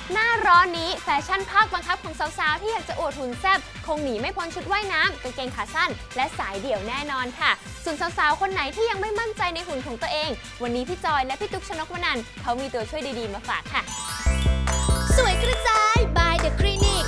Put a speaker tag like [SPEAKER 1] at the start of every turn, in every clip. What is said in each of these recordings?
[SPEAKER 1] หน้าร้อนนี้แฟชั่นภาคบังคับของสาวๆที่อยากจะอวดหุ่นแซ่บคงหนีไม่พ้นชุดว่ายน้ำกางเกงขาสั้นและสายเดี่ยวแน่นอนค่ะส่วนสาวๆคนไหนที่ยังไม่มั่นใจในหุ่นของตัวเองวันนี้พี่จอยและพี่ตุ๊กชนกวนันท์เขามีตัวช่วยดีๆมาฝากค่ะ
[SPEAKER 2] สวยกระจาย by the clinic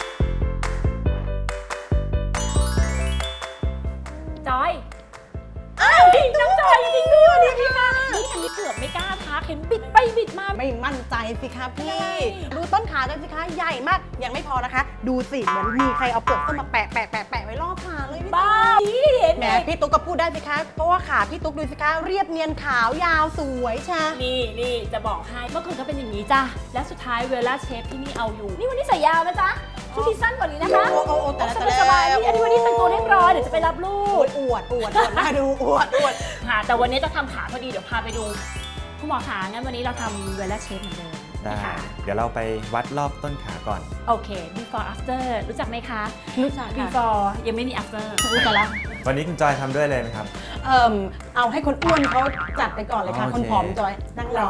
[SPEAKER 3] จอยน้องจอยจริงๆด้วยนี่ค่ะนี่อันนี้เกือบไม่กล้าทักเห็นบิดไปบิดมา
[SPEAKER 4] ไม่มั่นใจสิคะพี่ดูต้นขากันสิคะใหญ่มากยังไม่พอนะคะ ดูสิเหมือนมีใครเอาเปลือกส้มมาแปะไว้รอบขาเลยพี่
[SPEAKER 3] บ้าเห็น
[SPEAKER 4] แห
[SPEAKER 3] ไห
[SPEAKER 4] ม
[SPEAKER 3] ม
[SPEAKER 4] พี่ตุ๊กก็พูดได้สิคะเพราะว่าขาพี่ตุ๊กดูสิคะเรียบเนียนขาวยาวสวยชา
[SPEAKER 3] นี่จะบอกให้เมื่อคืนก็เป็นอย่างนี้จ้ะและสุดท้ายเวลาเชฟที่นี่เอาอยู่นี่วันนี้ใส่ยาวนะจ๊ะชุดที่สั้นกว่านี้นะคะ
[SPEAKER 4] โอ้แต่ละ
[SPEAKER 3] สบายๆนี่อันนี้วันนี้แต่งตัวเรียบร้อยเดี๋ยวจะไปรับลูก
[SPEAKER 4] อวดน่าดูอวด
[SPEAKER 3] ค่ะแต่วันนี้จะทำขาพอดีเดี๋ยวพาไปดูคุณหมอขางั้นวันนี้เราทำเวลาเชฟเหมือนเดิม
[SPEAKER 5] ได้
[SPEAKER 3] นะคะ
[SPEAKER 5] เดี๋ยวเราไปวัดรอบต้นขาก่อน
[SPEAKER 3] โอเค before after รู้จักไหมคะ
[SPEAKER 4] รู้จักค่ะ
[SPEAKER 3] before ยังไม่มี after รู้จักละ
[SPEAKER 5] วันนี้คุณจอยทำด้วยเลยไหมครับ
[SPEAKER 4] เอาให้คนอ้วนเขาจัดไปก่อนเลยค่ะ
[SPEAKER 5] โอเค
[SPEAKER 4] คนผอมจอยนั่งรอ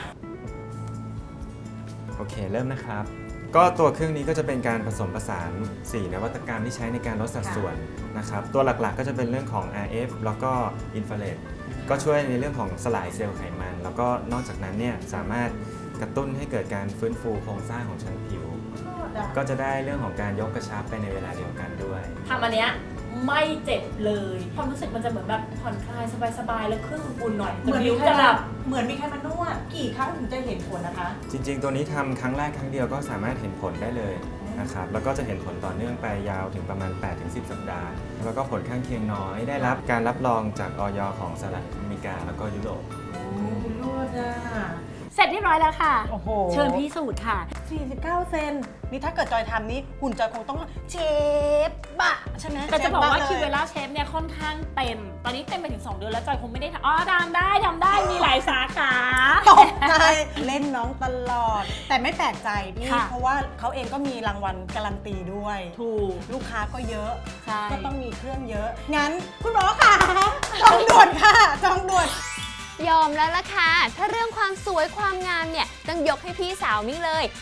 [SPEAKER 5] โอเค เริ่มนะครับ ก็ตัวเครื่องนี้ก็จะเป็นการผสมผสาน 4 นวัตกรรมที่ใช้ในการลดสัดส่วนนะครับ ตัวหลักๆก็จะเป็นเรื่องของ RF แล้วก็อินฟราเรดก็ช่วยในเรื่องของสลายเซลล์ไขมัน แล้วก็นอกจากนั้นเนี่ยสามารถกระตุ้นให้เกิดการฟื้นฟูโครงสร้างของชั้นผิว ก็จะได้เรื่องของการยกกระชับไปในเวลาเดียวกันด้วย
[SPEAKER 3] ทำอันเนี้ยไม่เจ็บเลยความรู้สึกมันจะเหมือนแบบผ่อนคลายสบายๆแล้วเครื่องอุ่นๆหน่อย
[SPEAKER 4] เหมือนมี
[SPEAKER 3] นิ้ว
[SPEAKER 4] ใคร
[SPEAKER 3] จะหลับ
[SPEAKER 4] เหมือนมีใครมานวดกี่ครั้งถึงจะเห็นผลนะคะ
[SPEAKER 5] จริงๆ ตัวนี้ทำครั้งแรกครั้งเดียวก็สามารถเห็นผลได้เลยนะครับ แล้วก็จะเห็นผลต่อเนื่องไปยาวถึงประมาณ 8-10 สัปดาห์ แล้วก็ผลข้างเคียงน้อย ได้รับการรับรองจากอยของสหรัฐอเมริกาแล้วก็ยุโรป
[SPEAKER 4] นวดอ่ะ
[SPEAKER 3] เสร็จเรียบร้อยแล้วค่ะ
[SPEAKER 4] โอ้โห
[SPEAKER 3] เชิญพิสูจน์ค่ะ
[SPEAKER 4] 49 เซนนี่ถ้าเกิดจอยทำนี้หุ่นจอยคงต้องเชฟบะใช่ไหม
[SPEAKER 3] แต่จะบอกว่า
[SPEAKER 4] ชฟ
[SPEAKER 3] คิวเว
[SPEAKER 4] ลย
[SPEAKER 3] ล่าเชฟเนี่ยค่อนข้างเต็ม ตอนนี้เต็มไปถึง 2 เดือนแล้วจอยคงไม่ได้ทำอ๋อทำได้มีหลายสาขา
[SPEAKER 4] ตกใจเล่นน้องตลอด แต่ไม่แปลกใจพี่
[SPEAKER 3] ค่ะ
[SPEAKER 4] เพราะว่าเขาเองก็มีรางวัลการันตีด้วย
[SPEAKER 3] ถูก
[SPEAKER 4] ลูกค้าก็เยอะ
[SPEAKER 3] ใช่
[SPEAKER 4] ก็ต้องมีเครื่องเยอะ งั้นคุณหมอค่ะจองด่วนค่ะจองด่วน
[SPEAKER 1] ยอมแล้วล่ะค่ะถ้าเรื่องความสวยความงามเนี่ยต้องยกให้พี่สาวมิ้งเลย